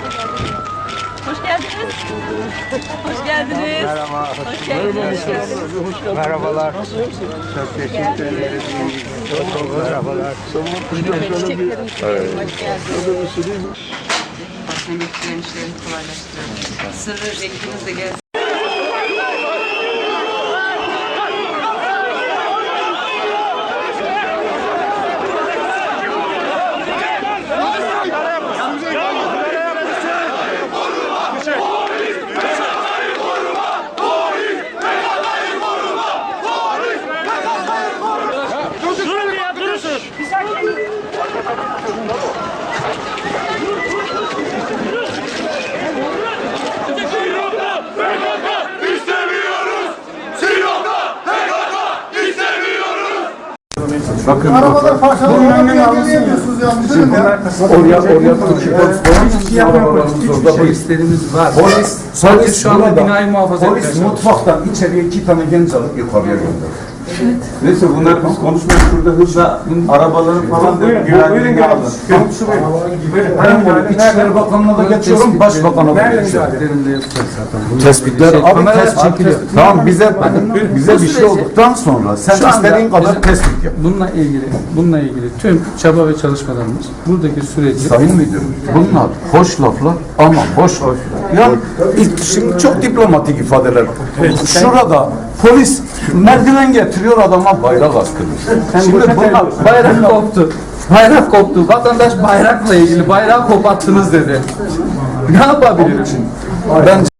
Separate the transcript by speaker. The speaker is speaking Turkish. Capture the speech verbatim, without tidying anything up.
Speaker 1: Hoş geldiniz. Hoş geldiniz.
Speaker 2: Merhaba.
Speaker 1: Hoş geldiniz.
Speaker 2: Merhabalar. Çok teşekkür ederim. Merhabalar.
Speaker 1: Çiçeklerimiz. Hoş geldiniz. Basın emekçilerin işlerini kolaylaştırıyor. Sırrı ekibiz de gelsin.
Speaker 2: Bakın
Speaker 3: arabalar parçalanıyor. Bunun önüne geliyorsunuz yanlış değil mi ya?
Speaker 2: oraya oraya
Speaker 3: Hiçbir şey yapmıyoruz.
Speaker 4: Polislerimiz var.
Speaker 3: Polis,
Speaker 4: Sadece şu anda
Speaker 3: burada,
Speaker 4: binayı muhafaza
Speaker 3: polis
Speaker 4: etmeye
Speaker 3: mutfaktan içeriye iki tane genç alıp yukarıya gönderdi.
Speaker 5: Neyse bunlar biz konuşmayalım şurada hızla arabaların falan da güvenliğini alın.
Speaker 3: Ben İçişleri Bakanlığı'na da geçiyorum, Başbakan'a da geçiyorum. Tespitler
Speaker 4: Şey,
Speaker 3: abi
Speaker 4: kameralar
Speaker 3: tespit.
Speaker 4: çekiliyor.
Speaker 3: Tamam bize bize bir şey
Speaker 4: süreci-
Speaker 3: olduktan sonra sen
Speaker 4: Şu anda
Speaker 3: istediğin kadar
Speaker 4: bizim-
Speaker 3: tespit yap.
Speaker 4: Bununla ilgili, bununla ilgili tüm çaba ve çalışmalarımız buradaki süreci
Speaker 3: Sayın Müdürüm, bunlar hoş laflar ama boş laflar. Ya ilk- şimdi çok diplomatik ifadeler. Şurada polis merdiven getiriyor adama bayrak askırıyor. Şimdi bunlar
Speaker 4: bayrak koptu. Bayrak koptu. Vatandaş bayrakla ilgili bayrağı koparttınız dedi. Ne yapabilirim?
Speaker 3: ben